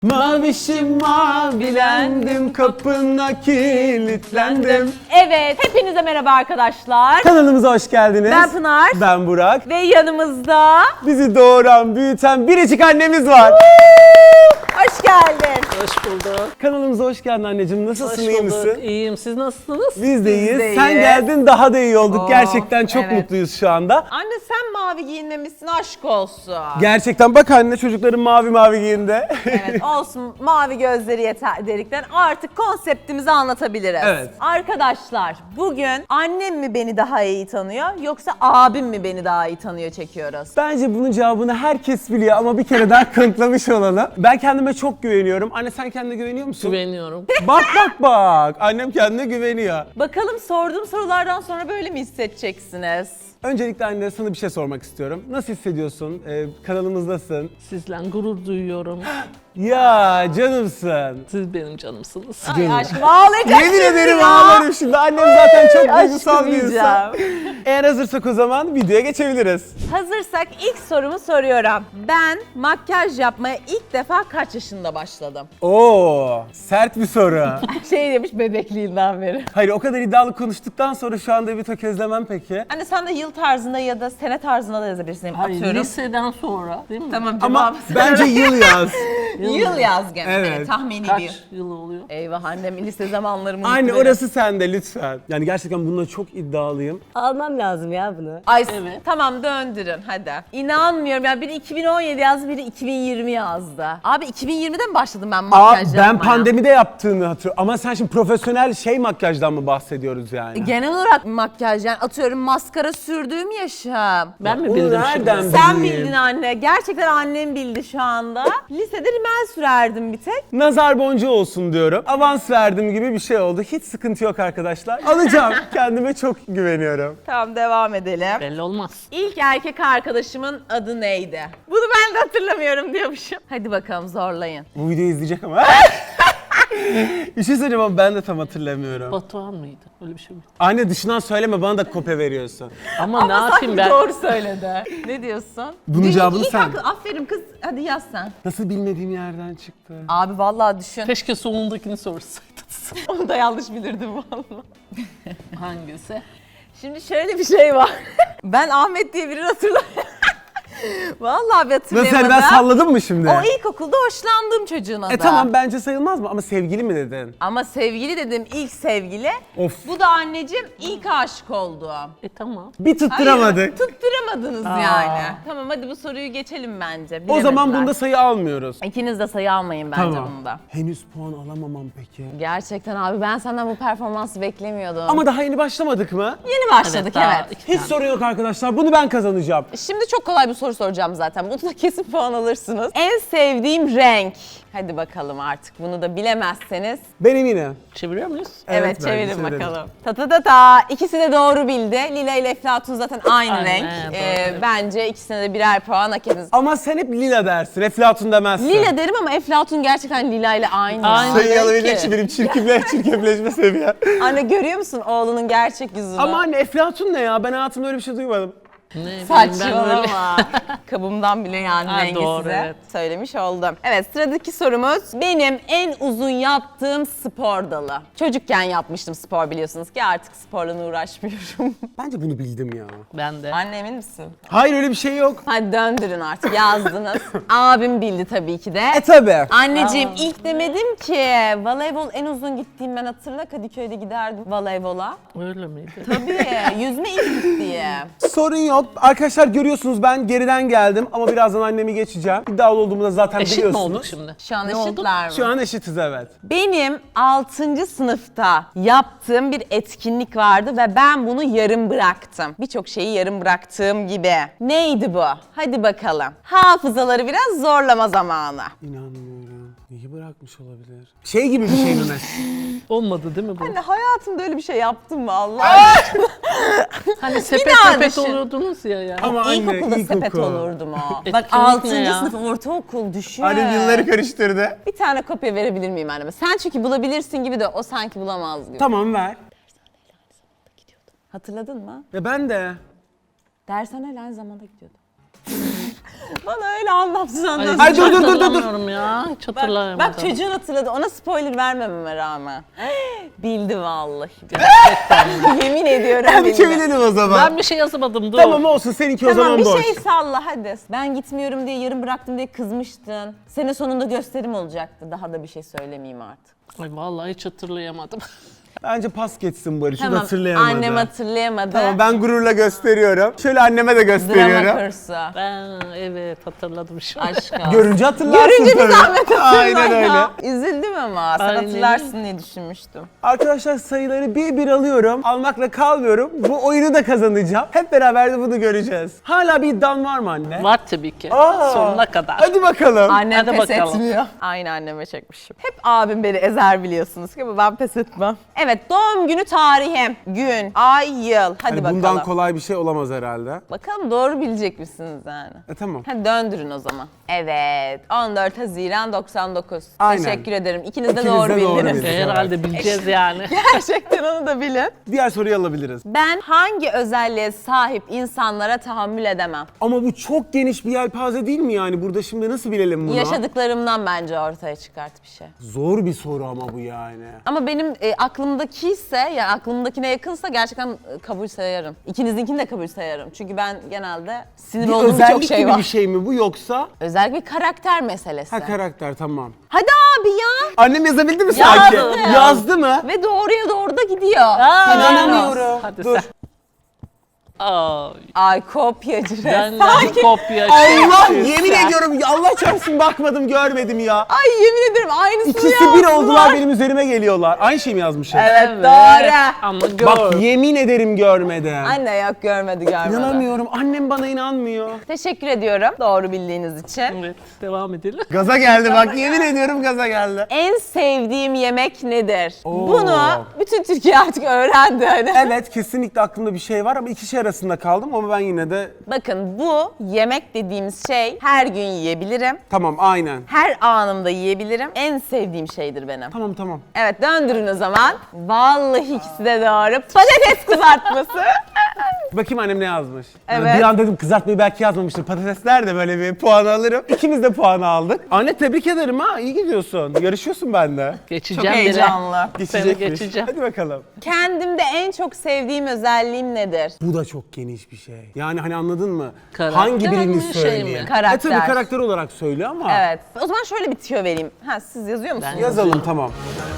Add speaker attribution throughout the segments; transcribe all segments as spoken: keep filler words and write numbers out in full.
Speaker 1: Mavişim mavilendim, kapına kilitlendim.
Speaker 2: Evet, hepinize merhaba arkadaşlar.
Speaker 1: Kanalımıza hoş geldiniz.
Speaker 2: Ben Pınar.
Speaker 1: Ben Burak.
Speaker 2: Ve yanımızda...
Speaker 1: Bizi doğuran, büyüten biricik annemiz var.
Speaker 2: Hoş geldin.
Speaker 3: Hoş bulduk.
Speaker 1: Kanalımıza hoş geldin anneciğim. Nasılsın,
Speaker 3: Hoş
Speaker 1: iyi
Speaker 3: bulduk.
Speaker 1: misin?
Speaker 3: İyiyim. Siz nasılsınız?
Speaker 1: Biz de iyiyiz.
Speaker 2: de
Speaker 1: Sen
Speaker 2: iyiyiz.
Speaker 1: geldin, daha da iyi olduk.
Speaker 2: Oh,
Speaker 1: Gerçekten çok
Speaker 2: evet.
Speaker 1: mutluyuz şu anda.
Speaker 2: Anne sen mavi giyinmemişsin, aşk olsun.
Speaker 1: Gerçekten bak anne, çocukların mavi mavi giyindi.
Speaker 2: Evet olsun, mavi gözleri yeter dedikten artık konseptimizi anlatabiliriz.
Speaker 1: Evet.
Speaker 2: Arkadaşlar bugün annem mi beni daha iyi tanıyor yoksa abim mi beni daha iyi tanıyor çekiyoruz.
Speaker 1: Bence bunun cevabını herkes biliyor ama bir kere daha kanıtlamış olalım. Ben kendime çok güveniyorum. Anne sen kendine güveniyor musun?
Speaker 3: Güveniyorum.
Speaker 1: Bak bak bak. Annem kendine güveniyor.
Speaker 2: Bakalım sorduğum sorulardan sonra böyle mi hissedeceksiniz?
Speaker 1: Öncelikle anne sana bir şey sormak istiyorum. Nasıl hissediyorsun? Ee, kanalımızdasın.
Speaker 3: Sizle gurur duyuyorum.
Speaker 1: Ya canımsın.
Speaker 3: Siz benim canımsınız.
Speaker 2: Ay aşkım ağlayacak
Speaker 1: Yemin
Speaker 2: şimdi
Speaker 1: ederim
Speaker 2: ya.
Speaker 1: ağlarım şimdi. Annem zaten çok duygusal
Speaker 2: Aşkım
Speaker 1: bir insan.
Speaker 2: diyeceğim.
Speaker 1: Eğer hazırsak o zaman videoya geçebiliriz.
Speaker 2: Hazırsak ilk sorumu soruyorum. Ben makyaj yapmaya ilk defa kaç yaşında başladım?
Speaker 1: Oo, sert bir soru.
Speaker 2: Şey demiş bebekliğinden beri.
Speaker 1: Hayır, o kadar iddialı konuştuktan sonra şu anda bir tökezlemem peki.
Speaker 2: Hani sen de yıl tarzında ya da sene tarzında da yazabilirsin.
Speaker 3: Hayır,
Speaker 2: Atıyorum.
Speaker 3: liseden sonra değil mi?
Speaker 2: Tamam
Speaker 1: Ama
Speaker 2: cevabı
Speaker 1: bence yıl yaz.
Speaker 2: yıl yaz gene.
Speaker 1: Evet.
Speaker 2: Evet. Tahmini
Speaker 3: Kaç
Speaker 2: bir.
Speaker 3: yıl oluyor?
Speaker 2: Eyvah annem lise zamanlarımı
Speaker 1: Anne
Speaker 2: unuttu
Speaker 1: orası sende lütfen. Yani gerçekten bununla çok iddialıyım.
Speaker 4: Almam lazım ya bunu.
Speaker 2: benim. Ay
Speaker 3: Evet.
Speaker 2: tamam döndürün hadi. İnanmıyorum ya biri iki bin on yedi yazdı biri iki bin yirmi yazdı. Abi iki bin yirmide mi başladım ben
Speaker 1: Aa,
Speaker 2: makyaj
Speaker 1: ben
Speaker 2: yapmaya?
Speaker 1: pandemide yaptığını hatırlıyorum. Ama sen şimdi profesyonel şey makyajdan mı bahsediyoruz yani?
Speaker 2: Genel olarak makyaj yani atıyorum maskara sürdüğüm yaşım.
Speaker 3: Ben mi
Speaker 1: Onu
Speaker 3: bildim
Speaker 1: nereden
Speaker 3: şimdi?
Speaker 2: Sen
Speaker 1: bileyim?
Speaker 2: bildin anne. Gerçekten annem bildi şu anda. Lisede rimel sürerdim bir tek.
Speaker 1: Nazar boncuğu olsun diyorum. Avans verdim gibi bir şey oldu. Hiç sıkıntı yok arkadaşlar. Alacağım. Kendime çok güveniyorum.
Speaker 2: Tamam devam edelim.
Speaker 3: Belli olmaz.
Speaker 2: İlk erkek arkadaşımın adı neydi? Bunu ben de hatırlamıyorum diyormuşum. Hadi bakalım zorlayın.
Speaker 1: Bu videoyu izleyecek ama. Bir şey söyleyeceğim ama ben de tam hatırlamıyorum.
Speaker 3: Batuhan mıydı? Öyle bir şey mi?
Speaker 1: Anne dışından söyleme, bana da kopya veriyorsun.
Speaker 3: Ama, ne yapayım
Speaker 2: sanki
Speaker 3: ben?
Speaker 2: doğru söyledi. Ne diyorsun?
Speaker 1: Bunun
Speaker 2: Değil,
Speaker 1: cevabını
Speaker 2: ilk
Speaker 1: sen.
Speaker 2: akıl- Aferin kız. Hadi yaz sen.
Speaker 1: Nasıl bilmediğim yerden çıktı?
Speaker 2: Abi vallahi düşün.
Speaker 3: Keşke sonundakini sorsaydınız.
Speaker 2: Onu da yanlış bilirdim vallahi.
Speaker 3: Hangisi?
Speaker 2: Şimdi şöyle bir şey var. Ben Ahmet diye birini hatırlamıyorum. Vallahi bir
Speaker 1: Nasıl
Speaker 2: hatırlayamadım.
Speaker 1: yani, ben salladım mı şimdi?
Speaker 2: O ilkokulda hoşlandığım çocuğun adı.
Speaker 1: E tamam, bence sayılmaz mı? Ama sevgili mi dedin?
Speaker 2: Ama sevgili dedim ilk sevgili.
Speaker 1: Of.
Speaker 2: Bu da anneciğim ilk aşık olduğum.
Speaker 3: E tamam.
Speaker 1: Bir tutturamadık.
Speaker 2: Hayır, tutturamadınız yani. Tamam hadi bu soruyu geçelim bence.
Speaker 1: O zaman
Speaker 2: Bilemediler.
Speaker 1: bunda sayı almıyoruz.
Speaker 2: İkiniz de sayı almayın bence bunda.
Speaker 1: Henüz puan alamamam peki.
Speaker 2: Gerçekten abi ben senden bu performansı beklemiyordum.
Speaker 1: Ama daha yeni başlamadık mı?
Speaker 2: yeni başladık
Speaker 3: daha
Speaker 2: evet.
Speaker 3: iki
Speaker 1: Hiç
Speaker 3: tane.
Speaker 1: sorun yok arkadaşlar. Bunu ben kazanacağım.
Speaker 2: Şimdi çok kolay bir soru soracağım zaten. Bunu da kesin puan alırsınız. En sevdiğim renk. Hadi bakalım artık bunu da bilemezseniz.
Speaker 1: Ben eminim.
Speaker 3: Çeviriyor muyuz?
Speaker 2: Evet,
Speaker 1: Evet, bence
Speaker 2: çevirin
Speaker 1: çevirelim.
Speaker 2: bakalım. Ta ta ta ta. İkisi de doğru bildi. Lila ile Eflatun zaten aynı
Speaker 3: Aynen,
Speaker 2: renk.
Speaker 3: doğru,
Speaker 2: Ee,
Speaker 3: evet.
Speaker 2: bence ikisine de birer puan hak ediniz.
Speaker 1: Ama sen hep lila dersin. Eflatun demezsin.
Speaker 2: Lila derim ama Eflatun gerçekten Lila ile aynı.
Speaker 3: Aynı.
Speaker 1: Sayı
Speaker 3: renk
Speaker 1: alabilecek
Speaker 3: ki.
Speaker 1: ki benim çirkefle, çirkefleşme seviyem.
Speaker 2: Anne görüyor musun oğlunun gerçek yüzünü?
Speaker 1: Ama anne Eflatun ne ya? Ben hayatımda öyle bir şey duymadım.
Speaker 3: Ne bileyim ben öyle.
Speaker 2: Saçmalama. Kabımdan bile yani
Speaker 3: Ha,
Speaker 2: rengi
Speaker 3: doğru,
Speaker 2: size
Speaker 3: evet.
Speaker 2: söylemiş oldum. Evet sıradaki sorumuz benim en uzun yaptığım spor dalı. Çocukken yapmıştım spor biliyorsunuz ki artık sporla uğraşmıyorum.
Speaker 1: Bence bunu bildim ya.
Speaker 3: Ben de.
Speaker 2: Anne emin misin?
Speaker 1: Hayır, öyle bir şey yok.
Speaker 2: Hadi döndürün artık yazdınız. Abim bildi tabii ki de.
Speaker 1: E tabi.
Speaker 2: Anneciğim ilk demedim ki voleybol en uzun gittiğim ben hatırla Kadıköy'de giderdim voleybola.
Speaker 3: Öyle miydi?
Speaker 2: Tabii yüzme ilk gittiğim.
Speaker 1: Sorun yok. Arkadaşlar görüyorsunuz ben geriden geldim ama birazdan annemi geçeceğim. İddialı olduğumu da zaten
Speaker 3: Eşit mi
Speaker 1: biliyorsunuz.
Speaker 3: olduk şimdi?
Speaker 2: Şu an
Speaker 3: Ne oldu?
Speaker 2: eşitler mi?
Speaker 1: Şu an eşitiz, evet.
Speaker 2: Benim altıncı sınıfta yaptığım bir etkinlik vardı ve ben bunu yarım bıraktım. Birçok şeyi yarım bıraktığım gibi. Neydi bu? Hadi bakalım. Hafızaları biraz zorlama zamanı.
Speaker 1: İnanmıyorum. Neyi bırakmış olabilir? Şey gibi bir şey mi mesela?
Speaker 3: Olmadı değil mi bu?
Speaker 2: Anne hayatımda öyle bir şey yaptım mı Allah aşkına?
Speaker 3: Hani sepet
Speaker 2: daha
Speaker 3: sepet
Speaker 2: düşün.
Speaker 3: oluyordunuz ya ya.
Speaker 1: Ama anne,
Speaker 2: İlkokulda sepet
Speaker 1: ilkokul.
Speaker 2: olurdum o.
Speaker 3: Etkinlik
Speaker 2: Bak
Speaker 3: ne
Speaker 2: altıncı
Speaker 3: ya?
Speaker 2: sınıf ortaokul düşün.
Speaker 1: Annem yılları karıştırdı.
Speaker 2: Bir tane kopya verebilir miyim anneme? Sen çünkü bulabilirsin gibi de o sanki bulamaz gibi.
Speaker 1: Tamam, ver.
Speaker 2: Hatırladın mı?
Speaker 1: Ya ben de.
Speaker 2: Dershaneyle aynı zamanda gidiyordum. Bana öyle anlamsız anlamsız.
Speaker 1: Ay, dur, dur, dur, dur, dur.
Speaker 3: hatırlamıyorum ya. Hiç
Speaker 2: Bak,
Speaker 3: hatırlayamadım.
Speaker 2: bak çocuğun hatırladı. Ona spoiler vermememe rağmen. Bildi vallahi. Yemin ediyorum
Speaker 1: Hadi
Speaker 2: bildi.
Speaker 1: çevirelim o zaman.
Speaker 3: Ben bir şey yazamadım dur.
Speaker 1: Tamam olsun, seninki o
Speaker 2: Tamam
Speaker 1: zaman
Speaker 2: bir
Speaker 1: boş.
Speaker 2: şey salla hadi. Ben gitmiyorum diye yarım bıraktım diye kızmıştın. Sene sonunda gösterim olacaktı. Daha da bir şey söylemeyeyim artık.
Speaker 3: Ay vallahi hiç hatırlayamadım.
Speaker 1: Bence pas geçsin Barış, o da
Speaker 2: Tamam
Speaker 1: hatırlayamadı.
Speaker 2: annem hatırlayamadı.
Speaker 1: Tamam, ben gururla gösteriyorum. Şöyle anneme de
Speaker 2: Drama
Speaker 1: gösteriyorum.
Speaker 2: kursu.
Speaker 3: Ben evet hatırladım şimdi.
Speaker 2: Aşka.
Speaker 1: Görünce hatırlarsın
Speaker 2: Görünce bir
Speaker 1: tabii.
Speaker 2: zahmet hatırla
Speaker 1: Aynen öyle.
Speaker 2: ya. Üzüldüm ama sen
Speaker 3: Aynen.
Speaker 2: hatırlarsın diye düşünmüştüm.
Speaker 1: Arkadaşlar sayıları bir bir alıyorum. Almakla kalmıyorum. Bu oyunu da kazanacağım. Hep beraber de bunu göreceğiz. Hala bir iddian var mı anne?
Speaker 3: Var tabii ki.
Speaker 1: Aa,
Speaker 3: Sonuna kadar.
Speaker 1: Hadi bakalım.
Speaker 2: Annem
Speaker 3: Hadi
Speaker 2: pes
Speaker 3: bakalım.
Speaker 2: etmiyor. Aynı anneme çekmişim. Hep abim beni ezer biliyorsunuz ki ama ben pes etmem. Evet doğum günü tarihim, gün, ay, yıl. Hadi
Speaker 1: Hani
Speaker 2: bakalım.
Speaker 1: bundan kolay bir şey olamaz herhalde.
Speaker 2: Bakalım doğru bilecek misiniz yani?
Speaker 1: E tamam.
Speaker 2: Hadi döndürün o zaman. Evet on dört Haziran doksan dokuz.
Speaker 1: Aynen.
Speaker 2: Teşekkür ederim. İkiniz de
Speaker 1: İkiniz
Speaker 2: doğru
Speaker 1: de doğru
Speaker 2: bildiniz.
Speaker 1: bildiniz.
Speaker 3: E, Herhalde bileceğiz yani.
Speaker 2: Gerçekten onu da bilin.
Speaker 1: Diğer soruyu alabiliriz.
Speaker 2: Ben hangi özelliğe sahip insanlara tahammül edemem?
Speaker 1: Ama bu çok geniş bir yelpaze değil mi yani? Burada şimdi nasıl bilelim bunu?
Speaker 2: Yaşadıklarımdan bence ortaya çıkart bir şey.
Speaker 1: Zor bir soru ama bu yani.
Speaker 2: Ama benim e, aklımdaki ise, yani aklımdakine yakınsa gerçekten e, kabul sayarım. İkinizinkini de kabul sayarım. Çünkü ben genelde sinir
Speaker 1: Bir
Speaker 2: olduğum
Speaker 1: özellik
Speaker 2: birçok şey
Speaker 1: gibi
Speaker 2: var.
Speaker 1: bir şey mi bu yoksa?
Speaker 2: Özellikle bir karakter meselesi.
Speaker 1: Ha, karakter, tamam.
Speaker 2: Hadi abi ya.
Speaker 1: Annem yazabildi mi
Speaker 2: Yazdı.
Speaker 1: sanki? Yazdı mı?
Speaker 2: Ve doğruya doğru da gidiyor.
Speaker 3: Aa,
Speaker 1: İnanamıyorum.
Speaker 3: Hadi
Speaker 1: Dur.
Speaker 3: sen. Ay,
Speaker 2: Ay kopyacı
Speaker 3: ben
Speaker 2: resmen.
Speaker 3: de kopya
Speaker 1: Allah,
Speaker 3: şey.
Speaker 1: yemin ediyorum ya, Allah çarpsın, bakmadım görmedim ya.
Speaker 2: Ay yemin ederim aynısını
Speaker 1: İkisi bir
Speaker 2: yazdılar.
Speaker 1: oldular, benim üzerime geliyorlar. Aynı şey mi yazmışım?
Speaker 2: Evet, doğru.
Speaker 3: Ama gör.
Speaker 1: Bak yemin ederim görmedim.
Speaker 2: Anne yok görmedi görmedi.
Speaker 1: İnanamıyorum, annem bana inanmıyor.
Speaker 2: Teşekkür ediyorum doğru bildiğiniz için.
Speaker 3: Evet, devam edelim.
Speaker 1: Gaza geldi bak, yemin ediyorum gaza geldi.
Speaker 2: En sevdiğim yemek nedir?
Speaker 1: Oo.
Speaker 2: Bunu bütün Türkiye artık öğrendi hani.
Speaker 1: Evet, kesinlikle aklımda bir şey var ama iki şey arasında kaldım ama ben yine de...
Speaker 2: Bakın bu yemek dediğimiz şey her gün yiyebilirim.
Speaker 1: Tamam, aynen.
Speaker 2: Her anımda yiyebilirim. En sevdiğim şeydir benim.
Speaker 1: Tamam tamam.
Speaker 2: Evet döndürün o zaman. Vallahi ikisi de doğru. Patates kızartması.
Speaker 1: Bakayım annem ne yazmış.
Speaker 2: Evet.
Speaker 1: Bir an dedim kızartmayı belki yazmamıştır. Patatesler de böyle bir puan alırım. İkimiz de puanı aldık. Anne tebrik ederim ha, iyi gidiyorsun. Yarışıyorsun bende.
Speaker 3: Geçeceğim
Speaker 2: Çok
Speaker 3: bile.
Speaker 2: heyecanlı.
Speaker 1: Geçecekmiş.
Speaker 3: geçeceğim.
Speaker 1: Hadi bakalım.
Speaker 2: Kendimde en çok sevdiğim özelliğim nedir?
Speaker 1: Bu da çok geniş bir şey. Yani hani anladın mı?
Speaker 3: Karakter
Speaker 1: Hangi birini
Speaker 3: mi, şey
Speaker 1: söyleyeyim?
Speaker 3: mi?
Speaker 2: Karakter.
Speaker 1: E tabii karakter olarak söyle ama.
Speaker 2: Evet. O zaman şöyle bir tüyo vereyim. Ha siz yazıyor musunuz?
Speaker 3: Ben-
Speaker 1: Yazalım tamam.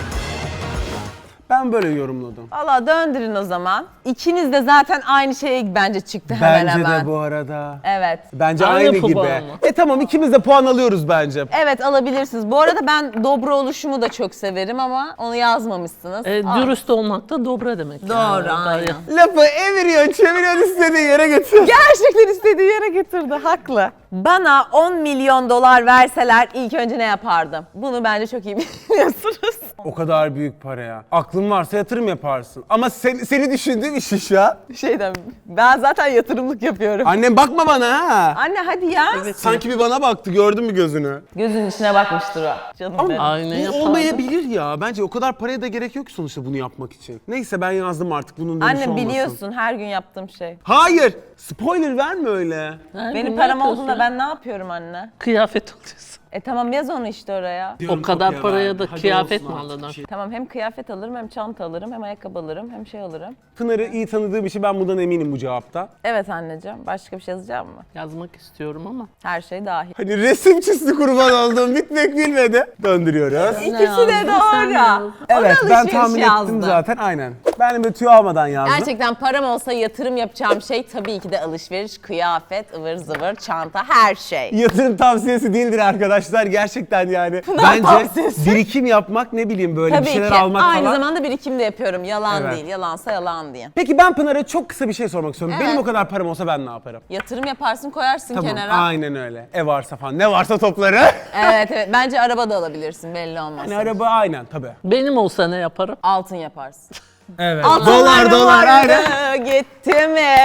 Speaker 1: Ben böyle yorumladım.
Speaker 2: Valla döndürün o zaman. İkiniz de zaten aynı şeye bence çıktı hemen
Speaker 1: Bence
Speaker 2: hemen.
Speaker 1: de bu arada.
Speaker 2: Evet.
Speaker 1: Bence
Speaker 3: Aynı
Speaker 1: aynı, gibi.
Speaker 3: puan mı?
Speaker 1: E tamam, ikimiz de puan alıyoruz bence.
Speaker 2: Evet alabilirsiniz. Bu arada ben dobra oluşumu da çok severim ama onu yazmamışsınız.
Speaker 3: E,
Speaker 2: Aa,
Speaker 3: dürüst olmak da dobra demek.
Speaker 2: Doğru,
Speaker 3: yani.
Speaker 2: aynen.
Speaker 1: Lafı eviriyor, çeviriyor, istediği yere götür.
Speaker 2: Gerçekten istediği yere getirdi. Haklı. Bana on milyon dolar verseler ilk önce ne yapardım? Bunu bence çok iyi biliyorsunuz.
Speaker 1: O kadar büyük para ya. Aklın varsa yatırım yaparsın. Ama sen, seni düşündüğüm iş iş ya.
Speaker 2: Şeyden ben zaten yatırımlık yapıyorum.
Speaker 1: Annem bakma bana ha.
Speaker 2: Anne hadi ya.
Speaker 1: Sanki bir bana baktı, gördün mü gözünü?
Speaker 2: Gözünün içine bakmıştır o. Canım benim.
Speaker 3: Aynen
Speaker 1: Bu
Speaker 3: yapardım.
Speaker 1: olmayabilir ya. Bence o kadar paraya da gerek yok ki sonuçta bunu yapmak için. Neyse ben yazdım artık, bunun dönüşü
Speaker 2: Anne
Speaker 1: olmasın.
Speaker 2: biliyorsun her gün yaptığım şey.
Speaker 1: Hayır. Spoiler verme öyle.
Speaker 3: Her
Speaker 2: Benim
Speaker 3: gün
Speaker 2: param
Speaker 3: yapıyorsun.
Speaker 2: olduğunda ben ne yapıyorum anne?
Speaker 3: Kıyafet oluyorsun.
Speaker 2: E tamam yaz onu işte oraya.
Speaker 3: O kadar paraya da kıyafet mi alırdın?
Speaker 2: Tamam hem kıyafet alırım hem çanta alırım hem ayakkabı alırım hem şey alırım.
Speaker 1: Pınar'ı iyi tanıdığım için ben bundan eminim bu cevapta.
Speaker 2: Evet anneciğim başka bir şey yazacağım mı?
Speaker 3: Yazmak istiyorum ama.
Speaker 2: Her şey dahil.
Speaker 1: Hani resim çizdi, kurban olduğum, bitmek bilmedi. Döndürüyoruz.
Speaker 2: İkisi
Speaker 3: yazdın,
Speaker 2: de
Speaker 3: sen
Speaker 2: doğru.
Speaker 3: yazdın.
Speaker 2: O da
Speaker 1: Evet, ben
Speaker 2: alışveriş
Speaker 1: tahmin
Speaker 2: yazdı.
Speaker 1: ettim zaten, aynen. Ben de tüyo almadan yazdım.
Speaker 2: Gerçekten param olsa yatırım yapacağım şey tabii ki de alışveriş, kıyafet, ıvır zıvır, çanta, her şey.
Speaker 1: Yatırım tavsiyesi değildir arkadaşlar, gerçekten yani. Bence
Speaker 2: tavsiyesi.
Speaker 1: birikim yapmak, ne bileyim böyle
Speaker 2: Tabii
Speaker 1: bir şeyler
Speaker 2: ki.
Speaker 1: almak
Speaker 2: Aynı
Speaker 1: falan.
Speaker 2: zamanda birikim de yapıyorum. Yalan
Speaker 1: Evet.
Speaker 2: değil. Yalansa yalan diye.
Speaker 1: Peki ben Pınar'a çok kısa bir şey sormak istiyorum.
Speaker 2: Evet.
Speaker 1: Benim o kadar param olsa ben ne yaparım?
Speaker 2: Yatırım yaparsın koyarsın
Speaker 1: Tamam,
Speaker 2: kenara.
Speaker 1: aynen öyle. Ev varsa falan, ne varsa topları.
Speaker 2: Evet evet. Bence araba da alabilirsin belli olmaz.
Speaker 1: Hani araba aynen tabii.
Speaker 3: Benim olsa ne yaparım?
Speaker 2: Altın yaparsın.
Speaker 1: Evet.
Speaker 2: Altınlarım
Speaker 1: Dolar dolar
Speaker 2: vardı,
Speaker 1: aynen.
Speaker 2: Gitti mi?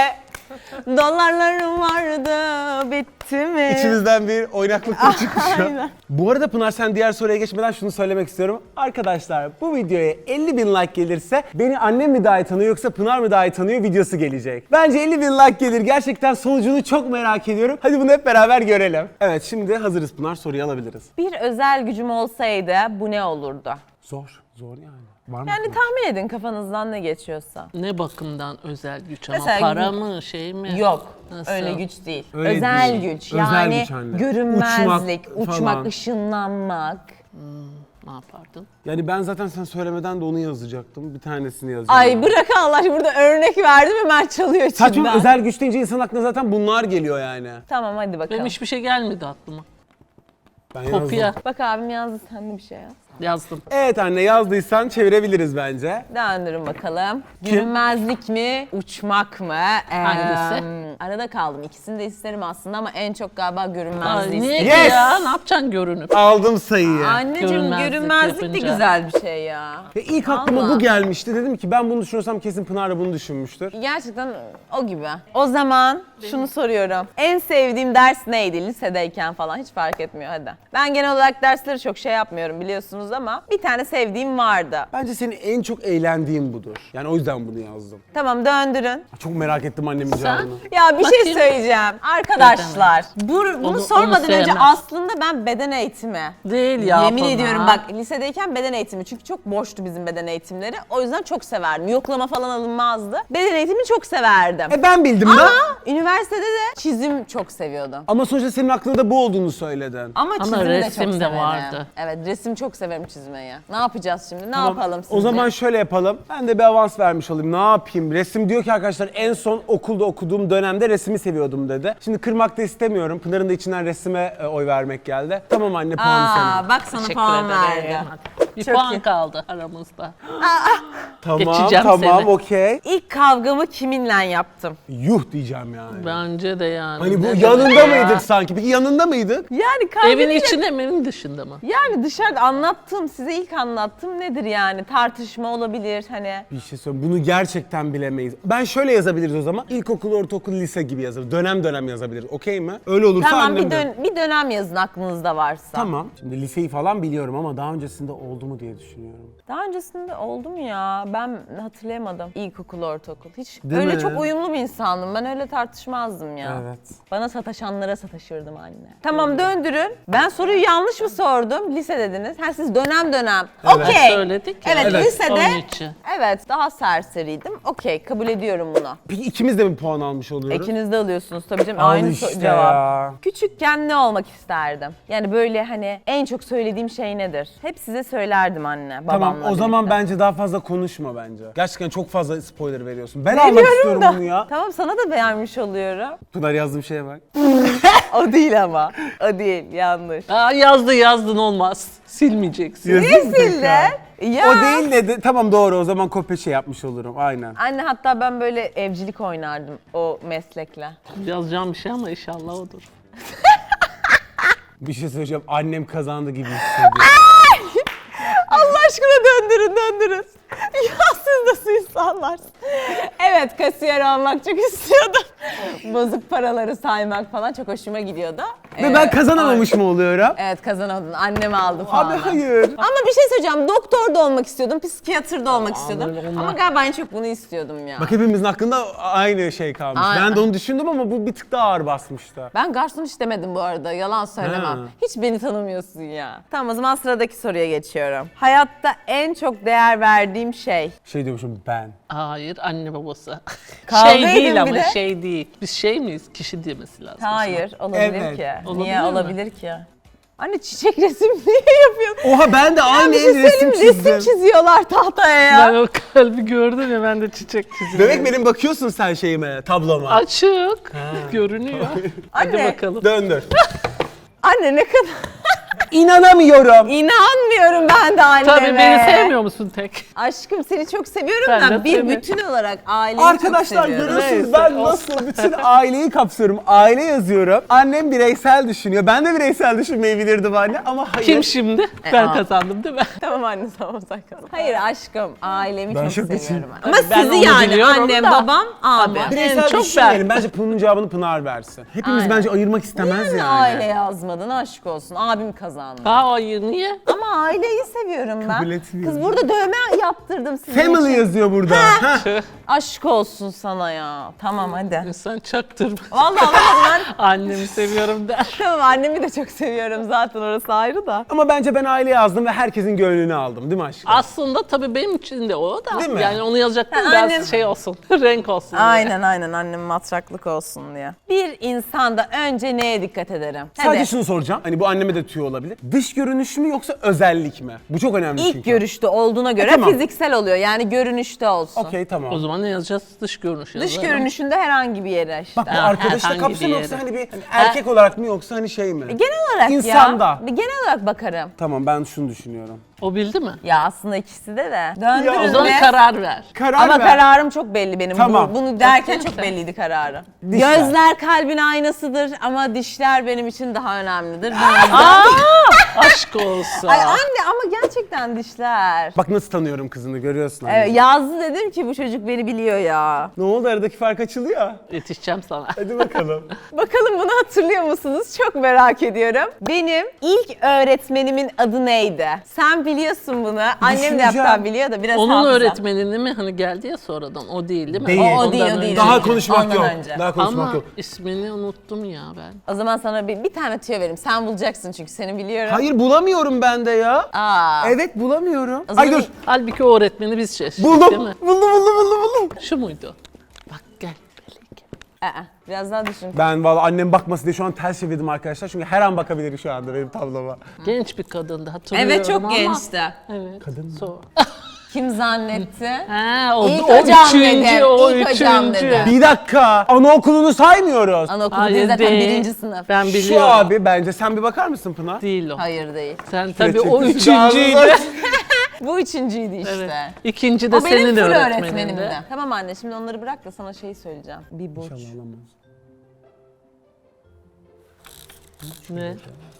Speaker 2: Dolarlarım vardı, bitti mi?
Speaker 1: İçimizden bir oynaklık da çıkmış şu an.
Speaker 2: Aynen.
Speaker 1: Bu arada Pınar, sen diğer soruya geçmeden şunu söylemek istiyorum. Arkadaşlar, bu videoya elli bin like gelirse beni annem mi daha iyi tanıyor yoksa Pınar mı daha iyi tanıyor videosu gelecek. Bence elli bin like gelir. Gerçekten sonucunu çok merak ediyorum. Hadi bunu hep beraber görelim. Evet, şimdi hazırız Pınar, soruyu alabiliriz.
Speaker 2: Bir özel gücüm olsaydı bu ne olurdu?
Speaker 1: Zor, zor yani. Var mı?
Speaker 2: Yani tahmin edin kafanızdan ne geçiyorsa.
Speaker 3: Ne bakımdan özel güç ama
Speaker 2: Mesela-
Speaker 3: para mı şey mi?
Speaker 2: Yok.
Speaker 3: Nasıl?
Speaker 2: Öyle güç değil.
Speaker 1: Öyle
Speaker 2: özel
Speaker 1: değil.
Speaker 2: güç.
Speaker 1: Özel
Speaker 2: Yani
Speaker 1: güç anne.
Speaker 2: görünmezlik,
Speaker 1: Uçmak
Speaker 2: uçmak,
Speaker 1: falan.
Speaker 2: ışınlanmak.
Speaker 3: Ne yapardın?
Speaker 1: Yani ben zaten sen söylemeden de onu yazacaktım. Bir tanesini yazacağım.
Speaker 2: Ay bırak Allah aşkına, burada örnek verdim hemen çalıyor içinden.
Speaker 1: Saçma, özel güç deyince insan aklına zaten bunlar geliyor yani.
Speaker 2: Tamam hadi bakalım.
Speaker 3: Benim hiçbir şey gelmedi aklıma.
Speaker 1: Ben yazdım.
Speaker 3: Kopya
Speaker 2: Bak abim yazdı, sen de bir şey yaz.
Speaker 3: yazdım.
Speaker 1: Evet anne, yazdıysan çevirebiliriz bence.
Speaker 2: Döndürün bakalım.
Speaker 1: Kim?
Speaker 2: Görünmezlik mi, uçmak mı? Ee,
Speaker 3: Hangisi?
Speaker 2: Arada kaldım. İkisini de isterim aslında ama en çok galiba
Speaker 3: Ay,
Speaker 2: görünmezliği
Speaker 3: niye
Speaker 2: isterim.
Speaker 3: ki
Speaker 1: Yes!
Speaker 3: ya? Ne yapacaksın görünüp?
Speaker 1: Aldım sayıyı.
Speaker 2: Anneciğim
Speaker 3: Görünmezlik
Speaker 2: görünmezlik de
Speaker 3: yapınca.
Speaker 2: güzel bir şey ya.
Speaker 1: Ve ilk aklıma
Speaker 2: Vallahi.
Speaker 1: bu gelmişti. Dedim ki ben bunu düşünüyorsam kesin Pınar da bunu düşünmüştür.
Speaker 2: Gerçekten o gibi. O zaman şunu soruyorum. En sevdiğim ders neydi lisedeyken falan, hiç fark etmiyor hadi. Ben genel olarak dersleri çok şey yapmıyorum biliyorsunuz ama bir tane sevdiğim vardı.
Speaker 1: Bence senin en çok eğlendiğin budur. Yani o yüzden bunu yazdım.
Speaker 2: Tamam döndürün.
Speaker 1: Çok merak ettim annemin cevabını.
Speaker 2: Ya bir şey
Speaker 3: Bakayım.
Speaker 2: söyleyeceğim. Arkadaşlar bu, bunu
Speaker 3: Onu-
Speaker 2: sormadan
Speaker 3: onu
Speaker 2: önce
Speaker 3: sevmem.
Speaker 2: aslında ben beden eğitimi.
Speaker 3: Değil ya.
Speaker 2: Yemin
Speaker 3: Pınar.
Speaker 2: ediyorum bak, lisedeyken beden eğitimi, çünkü çok boştu bizim beden eğitimleri. O yüzden çok severdim. Yoklama falan alınmazdı. Beden eğitimini çok severdim.
Speaker 1: E ben bildim
Speaker 2: Ama
Speaker 1: da.
Speaker 2: üniversitede de çizim çok seviyordum.
Speaker 1: Ama sonuçta senin aklında bu olduğunu söyledin.
Speaker 2: Ama,
Speaker 3: Ama
Speaker 2: çizim de
Speaker 3: resim
Speaker 2: çok
Speaker 3: de
Speaker 2: severim.
Speaker 3: vardı.
Speaker 2: Evet, resim çok severim çizmeyi. Ne yapacağız şimdi? Ne
Speaker 1: Tamam,
Speaker 2: yapalım sizce?
Speaker 1: O zaman şöyle yapalım. Ben de bir avans vermiş olayım. Ne yapayım? Resim diyor ki arkadaşlar, en son okulda okuduğum dönemde resmi seviyordum dedi. Şimdi kırmak da istemiyorum. Pınar'ın da içinden resime e, oy vermek geldi. Tamam anne, puanı
Speaker 2: Aa,
Speaker 1: senin.
Speaker 2: bak sana
Speaker 3: Teşekkür
Speaker 2: puan
Speaker 3: ederim.
Speaker 2: verdi.
Speaker 3: Hadi. Bir
Speaker 2: Çok
Speaker 3: puan
Speaker 2: iyi.
Speaker 3: kaldı aramızda.
Speaker 1: Tamam,
Speaker 3: Geçeceğim
Speaker 1: tamam,
Speaker 3: seni.
Speaker 1: okey.
Speaker 2: İlk kavgamı kiminle yaptım?
Speaker 1: Yuh diyeceğim yani.
Speaker 3: Bence de yani.
Speaker 1: Hani bu
Speaker 3: Ne
Speaker 1: yanında
Speaker 3: demek ya?
Speaker 1: mıydık sanki? Peki yanında mıydık?
Speaker 2: Yani kavga
Speaker 3: Evin
Speaker 2: değil de-
Speaker 3: içinde mi, evin dışında mı?
Speaker 2: Yani dışarıda anlattım, size ilk anlattım nedir yani? Tartışma olabilir hani.
Speaker 1: Bir şey söyleyeyim. Bunu gerçekten bilemeyiz. Ben şöyle yazabiliriz o zaman. İlkokul, ortaokul, lise gibi yazarız. Dönem dönem yazabiliriz. Okey mi? Öyle olursa
Speaker 2: Tamam,
Speaker 1: annem
Speaker 2: bir,
Speaker 1: de-
Speaker 2: dön bir dönem yazın aklınızda varsa.
Speaker 1: Tamam. Şimdi liseyi falan biliyorum ama daha öncesinde oldu mu diye düşünüyorum.
Speaker 2: Daha öncesinde oldu mu ya? Ben hatırlayamadım. İlkokul, ortaokul. Hiç
Speaker 1: Değil
Speaker 2: öyle
Speaker 1: mi?
Speaker 2: çok uyumlu bir insandım. Ben öyle tartışmazdım ya.
Speaker 1: Evet.
Speaker 2: Bana sataşanlara sataşırdım anne. Tamam döndürün. Ben soruyu yanlış mı sordum? Lise dediniz. Ha siz dönem dönem.
Speaker 1: Evet.
Speaker 2: Okey.
Speaker 3: Söyledik ya.
Speaker 2: Evet,
Speaker 1: Evet.
Speaker 2: lisede.
Speaker 3: Onun için.
Speaker 2: Evet, daha serseriydim. Okey, kabul ediyorum bunu.
Speaker 1: Peki ikimiz de mi puan almış oluyoruz?
Speaker 2: İkiniz de alıyorsunuz tabii canım.
Speaker 1: Al
Speaker 2: Aynı so-
Speaker 1: işte
Speaker 2: cevap.
Speaker 1: ya.
Speaker 2: Küçükken ne olmak isterdim? Yani böyle hani en çok söylediğim şey nedir? Hep size söylerdim anne, babamla
Speaker 1: Tamam, o zaman
Speaker 2: birlikte.
Speaker 1: bence daha fazla konuşma bence. Gerçekten çok fazla spoiler veriyorsun. Ben almak
Speaker 2: Veriyorum
Speaker 1: istiyorum
Speaker 2: da.
Speaker 1: bunu ya.
Speaker 2: Tamam, sana da beğenmiş oluyorum.
Speaker 1: Pınar yazdığım şeye bak.
Speaker 2: O değil ama. O değil, yanlış.
Speaker 3: Aa, yazdı yazdın olmaz. Silmeyeceksin.
Speaker 1: Yazık
Speaker 2: Niye
Speaker 1: tekrar.
Speaker 2: sildin? Ya.
Speaker 1: O değil dedi. Tamam, doğru, o zaman kopya şey yapmış olurum. Aynen.
Speaker 2: Anne, hatta ben böyle evcilik oynardım o meslekle.
Speaker 3: Yazacağım bir şey ama inşallah odur.
Speaker 1: Bir şey söyleyeceğim. Annem kazandı gibi hissediyorum.
Speaker 2: Allah aşkına döndürün, döndürün. Ya siz nasıl insanlarsınız? Evet, kasiyer olmak çok istiyordum. Bozuk paraları saymak falan çok hoşuma gidiyordu.
Speaker 1: Ve
Speaker 2: Ee,
Speaker 1: ben kazanamamış mı oluyorum?
Speaker 2: Evet, kazanamadın. Annem aldı falan.
Speaker 1: Abi hayır.
Speaker 2: Ama bir şey söyleyeceğim. Doktor da olmak istiyordum, psikiyatr da olmak istiyordum.
Speaker 3: böyle onlar-
Speaker 2: Ama galiba en çok bunu istiyordum ya.
Speaker 1: Bak, hepimizin hakkında aynı şey kalmış.
Speaker 2: Aynen.
Speaker 1: Ben de onu düşündüm ama bu bir tık daha ağır basmıştı.
Speaker 2: Ben garson hiç demedim bu arada. Yalan söylemem.
Speaker 1: Ha.
Speaker 2: Hiç beni tanımıyorsun ya. Tamam, o zaman sıradaki soruya geçiyorum. Hayatta en çok değer verdiğim şey.
Speaker 1: Şey diyormuşum ben.
Speaker 3: Hayır, anne babası.
Speaker 2: Kavga
Speaker 3: şey
Speaker 2: edin
Speaker 3: değil
Speaker 2: bir
Speaker 3: ama
Speaker 2: de.
Speaker 3: şey değil. Biz şey miyiz? Kişi demesi lazım.
Speaker 2: Hayır, olabilir
Speaker 1: Evet.
Speaker 2: ki.
Speaker 3: Olabilir
Speaker 2: Niye
Speaker 3: mi?
Speaker 2: olabilir ki? Anne, çiçek resim niye yapıyorsun?
Speaker 1: Oha, ben de aynı
Speaker 2: Bir şey
Speaker 1: el resim
Speaker 2: söyleyeyim mi?
Speaker 1: çizdim.
Speaker 2: Resim çiziyorlar tahtaya ya.
Speaker 3: Ben o kalbi gördüm ya, ben de çiçek çiziyorum.
Speaker 1: Demek benim bakıyorsun sen şeyime, tabloma.
Speaker 3: Açık. Görünüyor. Hadi
Speaker 2: Anne.
Speaker 3: bakalım.
Speaker 1: Döndür.
Speaker 2: Anne, ne kadar
Speaker 1: İnanamıyorum.
Speaker 2: İnanmıyorum ben de anneme.
Speaker 3: Tabii beni sevmiyor musun tek?
Speaker 2: Aşkım seni çok seviyorum
Speaker 3: Ben
Speaker 2: da
Speaker 3: de
Speaker 2: bir
Speaker 3: seni.
Speaker 2: bütün olarak aileyi
Speaker 1: Arkadaşlar
Speaker 2: çok seviyorum.
Speaker 1: görüyorsunuz
Speaker 3: Neyse,
Speaker 1: ben
Speaker 3: olsun.
Speaker 1: nasıl bütün aileyi kapsıyorum. Aile yazıyorum. Annem bireysel düşünüyor. Ben de bireysel düşünmeyi bilirdim anne ama hayır.
Speaker 3: Kim şimdi? Ben
Speaker 2: aa.
Speaker 3: kazandım değil mi?
Speaker 2: Tamam anne tamam sen kal. Hayır aşkım ailemi
Speaker 1: Ben
Speaker 2: çok
Speaker 1: şok
Speaker 2: seviyorum.
Speaker 1: geçirdim.
Speaker 2: Ama
Speaker 3: Ben
Speaker 2: sizi
Speaker 3: onu
Speaker 2: yani
Speaker 3: biliyorum
Speaker 2: annem,
Speaker 3: da.
Speaker 2: babam, abi.
Speaker 3: Tabii.
Speaker 1: Bireysel
Speaker 3: En çok
Speaker 1: düşünmeyelim.
Speaker 3: ben.
Speaker 1: Bence bunun cevabını Pınar versin. Hepimiz
Speaker 2: Aynen.
Speaker 1: bence ayırmak istemez
Speaker 2: Niye
Speaker 1: yani.
Speaker 2: aile yazmadın aşk olsun. Abim kazandı.
Speaker 3: Ha hayır niye?
Speaker 2: Ama aileyi seviyorum ben.
Speaker 1: Kabul etmiyorum.
Speaker 2: Kız burada dövme yaptırdım sizin
Speaker 1: Family
Speaker 2: için.
Speaker 1: yazıyor burada. Heh.
Speaker 3: Tüh,
Speaker 2: Aşk olsun sana ya. Tamam hadi.
Speaker 3: İnsan çaktırma.
Speaker 2: Vallahi anlamadım ben.
Speaker 3: Annemi seviyorum der.
Speaker 2: Tamam annemi de çok seviyorum zaten orası ayrı da.
Speaker 1: Ama bence ben aile yazdım ve herkesin gönlünü aldım değil mi aşkım?
Speaker 3: Aslında tabii benim için de o da.
Speaker 1: Değil mi?
Speaker 3: Yani onu yazacaktım
Speaker 2: Ha,
Speaker 3: biraz
Speaker 2: annem-
Speaker 3: şey olsun, renk olsun diye.
Speaker 2: Aynen aynen annem matraklık olsun diye. Bir insanda önce neye dikkat ederim?
Speaker 1: Sadece
Speaker 2: Hadi.
Speaker 1: şunu soracağım. Hani bu anneme de tüyo olabilir. Dış görünüş mü yoksa özellik mi? Bu çok önemli
Speaker 2: İlk
Speaker 1: çünkü.
Speaker 2: görüşte olduğuna göre
Speaker 1: E, tamam.
Speaker 2: fiziksel oluyor. Yani görünüşte olsun.
Speaker 1: Okey tamam.
Speaker 3: O zaman ne yazacağız? Dış görünüş
Speaker 2: Dış
Speaker 3: yazalım.
Speaker 2: görünüşünde herhangi bir yere işte.
Speaker 1: Bak bu
Speaker 3: Ha,
Speaker 1: arkadaşla
Speaker 3: herhangi
Speaker 1: kapsam
Speaker 3: bir
Speaker 1: yoksa
Speaker 3: yere.
Speaker 1: hani bir hani erkek olarak mı yoksa hani şey mi?
Speaker 2: Genel olarak
Speaker 1: İnsanda.
Speaker 2: ya. Genel olarak bakarım.
Speaker 1: Tamam ben şunu düşünüyorum.
Speaker 3: O bildi mi?
Speaker 2: Ya aslında ikisi de de.
Speaker 1: Ya,
Speaker 2: Döndürün
Speaker 3: O zaman
Speaker 2: ve-
Speaker 3: karar ver.
Speaker 1: Karar
Speaker 2: Ama
Speaker 1: ver.
Speaker 2: kararım çok belli benim.
Speaker 1: Tamam.
Speaker 2: Bu- bunu derken çok belliydi kararım.
Speaker 1: Dişler.
Speaker 2: Gözler kalbin aynasıdır ama dişler benim için daha önemlidir.
Speaker 3: Aa, aşk olsun.
Speaker 2: Ay anne ama gerçekten dişler.
Speaker 1: Bak nasıl tanıyorum kızını görüyorsun anne.
Speaker 2: Evet, yazdı dedim ki bu çocuk beni biliyor ya.
Speaker 1: Ne oldu aradaki fark açılıyor.
Speaker 3: Yetişeceğim sana.
Speaker 1: Hadi bakalım.
Speaker 2: Bakalım bunu hatırlıyor musunuz? Çok merak ediyorum. Benim ilk öğretmenimin adı neydi? Sen biliyorsun bunu. Annem de hatta
Speaker 1: Düşüneceğim.
Speaker 2: biliyor da biraz
Speaker 3: Onun
Speaker 2: hafıza.
Speaker 3: öğretmenini mi hani geldi ya sonradan? O değil değil mi?
Speaker 1: Değil.
Speaker 2: O, o
Speaker 3: Ondan
Speaker 2: değil o değil.
Speaker 3: önce.
Speaker 1: Daha
Speaker 2: değil.
Speaker 1: konuşmak
Speaker 2: Ondan
Speaker 1: yok.
Speaker 2: önce.
Speaker 1: Daha konuşmak
Speaker 3: Ama
Speaker 1: yok.
Speaker 3: ismini unuttum ya ben.
Speaker 2: O zaman sana bir, bir tane tüyo vereyim. Sen bulacaksın çünkü seni biliyorum.
Speaker 1: Hayır bulamıyorum ben de ya.
Speaker 2: Aa.
Speaker 1: Evet bulamıyorum.
Speaker 2: O zaman
Speaker 1: Ay dur.
Speaker 2: bir-
Speaker 3: Halbuki o öğretmeni biz seçtik
Speaker 1: Buldum.
Speaker 3: değil mi?
Speaker 1: Buldum buldum buldum buldum.
Speaker 3: Şu muydu? Bak gel. Melek.
Speaker 2: Aa, biraz daha düşün.
Speaker 1: Ben valla annem bakmasın diye şu an ters çevirdim arkadaşlar. Çünkü her an bakabilir şu anda benim tabloma.
Speaker 3: Genç bir kadındı hatırlıyorum
Speaker 2: Evet çok
Speaker 3: ama.
Speaker 2: gençti.
Speaker 3: Evet.
Speaker 1: Kadın mı?
Speaker 3: So-
Speaker 2: Kim zannetti?
Speaker 3: ha, o,
Speaker 2: İlk
Speaker 3: o
Speaker 2: hocam
Speaker 3: üçüncü,
Speaker 2: dedim,
Speaker 3: o
Speaker 2: ilk
Speaker 3: üçüncü.
Speaker 2: hocam dedim.
Speaker 1: Bir dakika. Anaokulunu saymıyoruz.
Speaker 2: Anaokulu
Speaker 3: Hayır
Speaker 2: değil zaten
Speaker 3: değil.
Speaker 2: birinci sınıf.
Speaker 3: Ben
Speaker 1: Şu
Speaker 3: biliyorum.
Speaker 1: abi bence sen bir bakar mısın Pınar?
Speaker 3: Değil o.
Speaker 2: Hayır değil.
Speaker 3: Sen tabii
Speaker 1: Gerçekten
Speaker 3: o
Speaker 1: siz
Speaker 3: üçüncüydü.
Speaker 1: ağzınıza-
Speaker 2: Bu üçüncüydü işte.
Speaker 3: Evet. İkinci de
Speaker 2: O benim
Speaker 3: senin
Speaker 2: full
Speaker 3: öğretmenindi.
Speaker 2: öğretmenimdi. Tamam anne şimdi onları bırak da sana şey söyleyeceğim. Bir burç.
Speaker 3: Ne?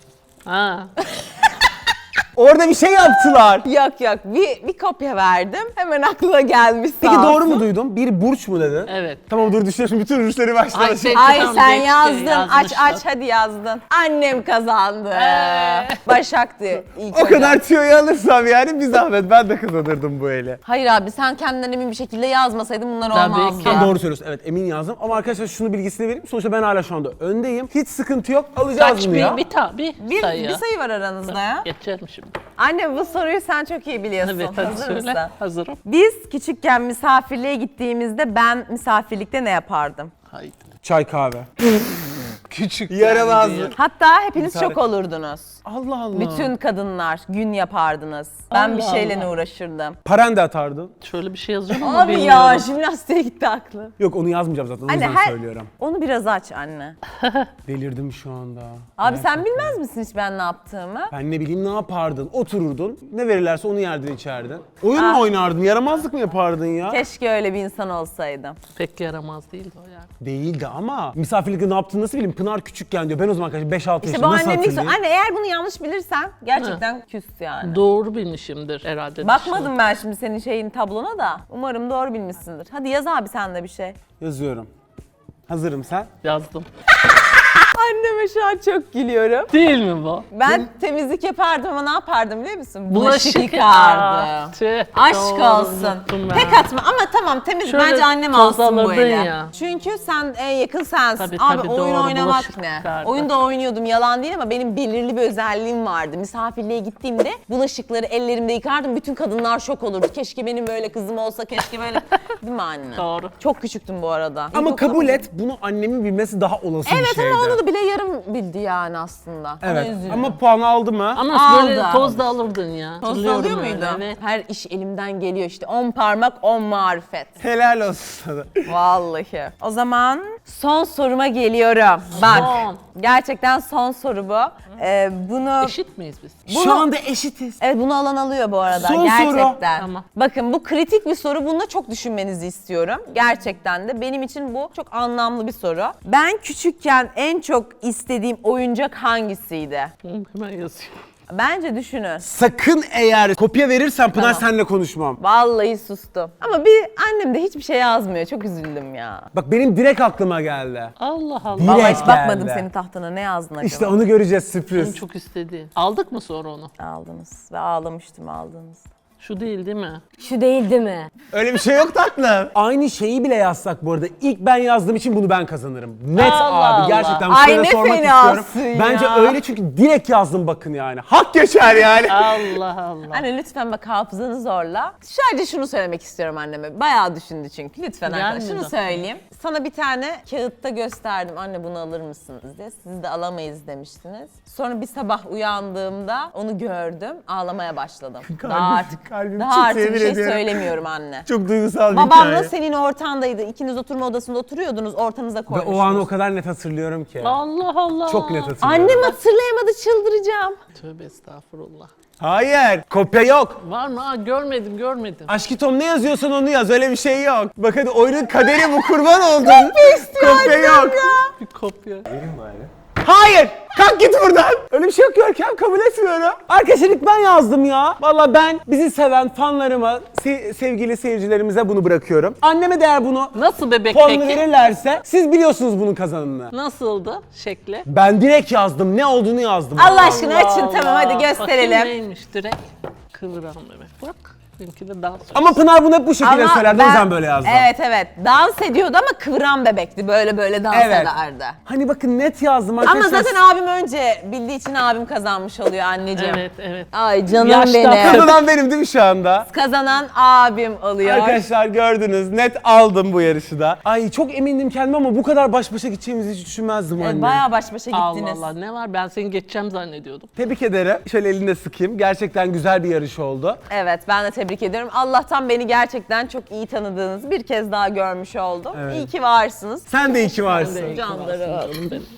Speaker 3: Ha.
Speaker 1: Orada bir şey yaptılar.
Speaker 2: Yok yok bir, bir kopya verdim. Hemen aklına gelmiş
Speaker 1: Peki
Speaker 2: sağ
Speaker 1: doğru
Speaker 2: olsun.
Speaker 1: mu duydum? Bir burç mu dedin?
Speaker 3: Evet.
Speaker 1: Tamam dur düşünüyorum bütün rüşleri
Speaker 3: Ay,
Speaker 1: başlayalım.
Speaker 3: şey-
Speaker 2: Ay
Speaker 3: Tamam,
Speaker 2: sen
Speaker 3: geçti,
Speaker 2: yazdın. Aç
Speaker 3: yazmışlar.
Speaker 2: aç hadi yazdın. Annem kazandı. Başak'tı ilk
Speaker 1: O
Speaker 2: hocam.
Speaker 1: kadar tüyoyu alırsam yani bir zahmet ben de kazanırdım bu eli.
Speaker 2: Hayır abi sen kendinden emin bir şekilde yazmasaydın bunlar
Speaker 3: Tabii
Speaker 2: olmazdı.
Speaker 3: ki.
Speaker 1: Sen doğru söylüyorsun. Evet emin yazdım ama arkadaşlar şunu bilgisini vereyim. Sonuçta ben hala şu anda öndeyim. Hiç sıkıntı yok. Alacağız
Speaker 3: Kaç
Speaker 1: bunu
Speaker 3: bir,
Speaker 1: ya.
Speaker 3: bir, ta, bir,
Speaker 2: Bir,
Speaker 3: sayı.
Speaker 2: bir sayı var aranızda ya.
Speaker 3: Geçelim şimdi.
Speaker 2: Anne bu soruyu sen çok iyi biliyorsun.
Speaker 3: Evet hadi
Speaker 2: Hazır
Speaker 3: söyle.
Speaker 2: mısın?
Speaker 3: Hazırım.
Speaker 2: Biz küçükken misafirliğe gittiğimizde ben misafirlikte ne yapardım?
Speaker 3: Haydi.
Speaker 1: Çay kahve.
Speaker 3: Küçük.
Speaker 1: Yaramazlık.
Speaker 2: Hatta hepiniz
Speaker 1: Misafir-
Speaker 2: çok olurdunuz.
Speaker 1: Allah Allah.
Speaker 2: Bütün kadınlar gün yapardınız. Ben bir
Speaker 3: Allah
Speaker 2: şeyle
Speaker 3: Allah.
Speaker 2: uğraşırdım.
Speaker 1: Paren de atardın.
Speaker 3: Şöyle bir şey yazıyorum ama
Speaker 2: Abi
Speaker 3: bilmiyorum.
Speaker 2: ya jimnastiğe gitti aklım.
Speaker 1: Yok onu yazmayacağım zaten o
Speaker 2: Anne
Speaker 1: yüzden
Speaker 2: her...
Speaker 1: söylüyorum.
Speaker 2: Onu biraz aç anne.
Speaker 1: Delirdim şu anda.
Speaker 2: Abi sen bilmez misin hiç ben ne yaptığımı?
Speaker 1: Ben ne bileyim ne yapardın? Otururdun. Ne verirlerse onu yerdin içerdin. Oyun
Speaker 2: Ah.
Speaker 1: mu oynardın? Yaramazlık mı yapardın ya?
Speaker 2: Keşke öyle bir insan olsaydım.
Speaker 3: Pek yaramaz değildi o yani.
Speaker 1: Değildi ama misafirlikte ne yaptığını nasıl bileyim? Pınar küçükken diyor. Ben o zaman kaç beş altı
Speaker 2: İşte bu
Speaker 1: yaşında nasıl
Speaker 2: annemin
Speaker 1: hatırlayayım?
Speaker 2: Anne eğer bunu yanlış bilirsen gerçekten küs yani.
Speaker 3: Doğru bilmişimdir herhalde.
Speaker 2: Bakmadım ben şimdi senin şeyin tablona da. Umarım doğru bilmişsindir. Hadi yaz abi sen de bir şey.
Speaker 1: Yazıyorum. Hazırım sen.
Speaker 3: Yazdım.
Speaker 2: Anneme şu an çok gülüyorum.
Speaker 3: Değil mi bu?
Speaker 2: Ben temizlik yapardım ama ne yapardım biliyor musun?
Speaker 3: Bulaşık
Speaker 2: Bulaşık yıkardım.
Speaker 3: Aa, tüh,
Speaker 2: Aşk
Speaker 3: doğru,
Speaker 2: olsun.
Speaker 3: unuttum ben.
Speaker 2: Tek atma ama tamam temiz
Speaker 3: Şöyle
Speaker 2: bence annem
Speaker 3: toz
Speaker 2: alsın bu
Speaker 3: alırdın
Speaker 2: eli.
Speaker 3: ya.
Speaker 2: Çünkü sen en yakın sensin.
Speaker 3: Tabii,
Speaker 2: Abi
Speaker 3: tabii,
Speaker 2: oyun
Speaker 3: doğru,
Speaker 2: oynamak
Speaker 3: bulaşık
Speaker 2: ne?
Speaker 3: yıkardı.
Speaker 2: Oyunda oynuyordum yalan değil ama benim belirli bir özelliğim vardı. Misafirliğe gittiğimde bulaşıkları ellerimde yıkardım. Bütün kadınlar şok olurdu. Keşke benim böyle kızım olsa keşke böyle. Değil mi anne?
Speaker 3: Doğru.
Speaker 2: Çok küçüktüm bu arada.
Speaker 1: Ama
Speaker 2: İlkokula-
Speaker 1: kabul et bunu annemin bilmesi daha olası bir
Speaker 2: Evet
Speaker 1: şeydi.
Speaker 2: ama onu da bile yarım bildi yani aslında. Ona
Speaker 1: Evet
Speaker 2: üzülüyorum.
Speaker 1: ama puan aldı mı?
Speaker 3: Ama böyle
Speaker 2: Aldı.
Speaker 3: toz da alırdın ya.
Speaker 2: Toz da
Speaker 3: Hatırlıyorum
Speaker 2: alıyor
Speaker 3: öyle,
Speaker 2: muydu?
Speaker 3: Evet.
Speaker 2: Her iş elimden geliyor işte. On parmak on marifet.
Speaker 1: Helal olsun sana.
Speaker 2: Vallahi. O zaman Son soruma geliyorum. Bak.
Speaker 3: Son.
Speaker 2: Gerçekten son soru bu. Ee, bunu
Speaker 3: Eşit miyiz biz?
Speaker 1: Şu anda eşitiz.
Speaker 2: Evet, bunu alan alıyor bu arada.
Speaker 1: Son soru.
Speaker 2: Gerçekten.
Speaker 3: Tamam.
Speaker 2: Bakın, bu kritik bir soru. Bunda çok düşünmenizi istiyorum. Gerçekten de benim için bu çok anlamlı bir soru. Ben küçükken en çok istediğim oyuncak hangisiydi?
Speaker 3: Hı, hemen yazıyor.
Speaker 2: Bence düşünün.
Speaker 1: Sakın eğer kopya verirsen Pınar
Speaker 2: Tamam.
Speaker 1: seninle konuşmam.
Speaker 2: Vallahi sustum. Ama bir annem de hiçbir şey yazmıyor. Çok üzüldüm ya.
Speaker 1: Bak benim direkt aklıma geldi.
Speaker 3: Allah Allah.
Speaker 1: Direkt
Speaker 2: Vallahi hiç bakmadım
Speaker 1: geldi.
Speaker 2: senin tahtına. Ne yazdın acaba?
Speaker 1: İşte onu göreceğiz,
Speaker 3: En
Speaker 1: sürpriz.
Speaker 3: çok istediğin. Aldık mı sonra onu?
Speaker 2: Aldınız ve ağlamıştım aldığınızda.
Speaker 3: Şu değil değil mi?
Speaker 4: Şu değil değil mi?
Speaker 1: Öyle bir şey yok tatlım. Aynı şeyi bile yazsak bu arada. İlk ben yazdığım için bunu ben kazanırım. Net
Speaker 3: Allah
Speaker 1: abi
Speaker 3: Allah.
Speaker 1: gerçekten bu
Speaker 2: Ay
Speaker 1: soruyu
Speaker 2: ne
Speaker 1: sormak
Speaker 2: fenasın
Speaker 1: istiyorum.
Speaker 2: ya.
Speaker 1: Bence öyle çünkü direkt yazdım bakın yani. Hak geçer yani.
Speaker 3: Allah Allah.
Speaker 2: Anne lütfen bak, hafızanı zorla. Sadece şunu söylemek istiyorum anneme. Bayağı düşündü çünkü. Lütfen arkadaşlar
Speaker 3: Gelmedi.
Speaker 2: şunu söyleyeyim. Sana bir tane kağıtta gösterdim. Anne bunu alır mısınız diye. Siz de alamayız demiştiniz. Sonra bir sabah uyandığımda onu gördüm. Ağlamaya başladım.
Speaker 1: Kalbim-
Speaker 2: daha artık,
Speaker 1: kalbim
Speaker 2: daha
Speaker 1: çok
Speaker 2: artık bir
Speaker 1: yemin
Speaker 2: şey
Speaker 1: ediyorum.
Speaker 2: söylemiyorum anne.
Speaker 1: Çok duygusal bir
Speaker 2: Babamla
Speaker 1: hikaye.
Speaker 2: senin ortandaydı. İkiniz oturma odasında oturuyordunuz. Ortanıza
Speaker 1: Ve
Speaker 2: koymuştunuz.
Speaker 1: o anı o kadar net hatırlıyorum ki.
Speaker 3: Allah Allah.
Speaker 1: Çok net hatırlıyorum.
Speaker 2: Annem hatırlayamadı, çıldıracağım.
Speaker 3: Tövbe estağfurullah.
Speaker 1: Hayır, kopya yok.
Speaker 3: Var mı? Aa, görmedim görmedim.
Speaker 1: Aşkı Tom ne yazıyorsan onu yaz, öyle bir şey yok. Bak hadi oyunun kaderi bu, kurban oldum. Kopya yok.
Speaker 3: Bir kopya.
Speaker 1: Hayır! Kalk git buradan! Öyle bir şey yok Görkem, kabul etmiyorum. Arkadaşlar ilk ben yazdım ya. Vallahi ben bizi seven fanlarıma, se- sevgili seyircilerimize bunu bırakıyorum. Anneme de eğer bunu
Speaker 3: Nasıl bebek
Speaker 1: puanını
Speaker 3: peki?
Speaker 1: verirlerse siz biliyorsunuz bunun kazananını.
Speaker 3: Nasıldı şekli?
Speaker 1: Ben direkt yazdım, ne olduğunu yazdım.
Speaker 2: Allah aşkına açın,
Speaker 3: Allah.
Speaker 2: tamam hadi
Speaker 3: Bakayım
Speaker 2: gösterelim.
Speaker 3: neymiş direkt? Kıvıran bebek. Bak. Benimki de dans.
Speaker 1: Ama Pınar bunu hep bu şekilde söylerdi, o yüzden böyle yazdım.
Speaker 2: Evet evet, dans ediyordu ama kıvıran bebekti, böyle böyle dans
Speaker 1: Evet.
Speaker 2: ederdi.
Speaker 1: Hani bakın net yazdım
Speaker 2: Ama
Speaker 1: arkadaşlar.
Speaker 2: zaten abim önce bildiği için abim kazanmış oluyor anneciğim.
Speaker 3: Evet evet.
Speaker 2: Ay canım
Speaker 3: Yaşta
Speaker 2: benim.
Speaker 1: Kazanan benim değil mi şu anda?
Speaker 2: Kazanan abim oluyor.
Speaker 1: Arkadaşlar gördünüz, net aldım bu yarışı da. Ay çok emindim kendime ama bu kadar baş başa gideceğimizi hiç düşünmezdim
Speaker 2: Evet,
Speaker 1: anne.
Speaker 2: bayağı baş başa
Speaker 3: Allah
Speaker 2: gittiniz.
Speaker 3: Allah ne var, ben seni geçeceğim zannediyordum.
Speaker 1: Tebrik ederim. Şöyle elinde sıkayım. Gerçekten güzel bir yarış oldu.
Speaker 2: Evet, ben de tebrik ediyorum. Allah'tan beni gerçekten çok iyi tanıdığınızı bir kez daha görmüş oldum.
Speaker 1: Evet.
Speaker 2: İyi ki varsınız.
Speaker 1: Sen de iyi ki varsın.
Speaker 3: Ben de iyi ki
Speaker 2: Canlarım.
Speaker 3: varsın canım benim.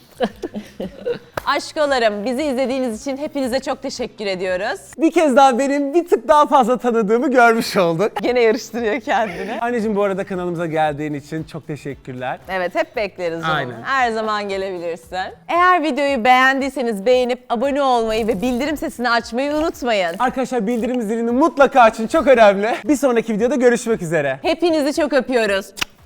Speaker 2: Aşkolarım, bizi izlediğiniz için hepinize çok teşekkür ediyoruz.
Speaker 1: Bir kez daha benim bir tık daha fazla tanıdığımı görmüş olduk.
Speaker 2: Gene yarıştırıyor kendini.
Speaker 1: Anneciğim bu arada kanalımıza geldiğin için çok teşekkürler.
Speaker 2: Evet, hep bekleriz canım.
Speaker 1: Aynen.
Speaker 2: Her zaman gelebilirsin. Eğer videoyu beğendiyseniz beğenip abone olmayı ve bildirim sesini açmayı unutmayın.
Speaker 1: Arkadaşlar bildirim zilini mutlaka açın, çok önemli. Bir sonraki videoda görüşmek üzere.
Speaker 2: Hepinizi çok öpüyoruz.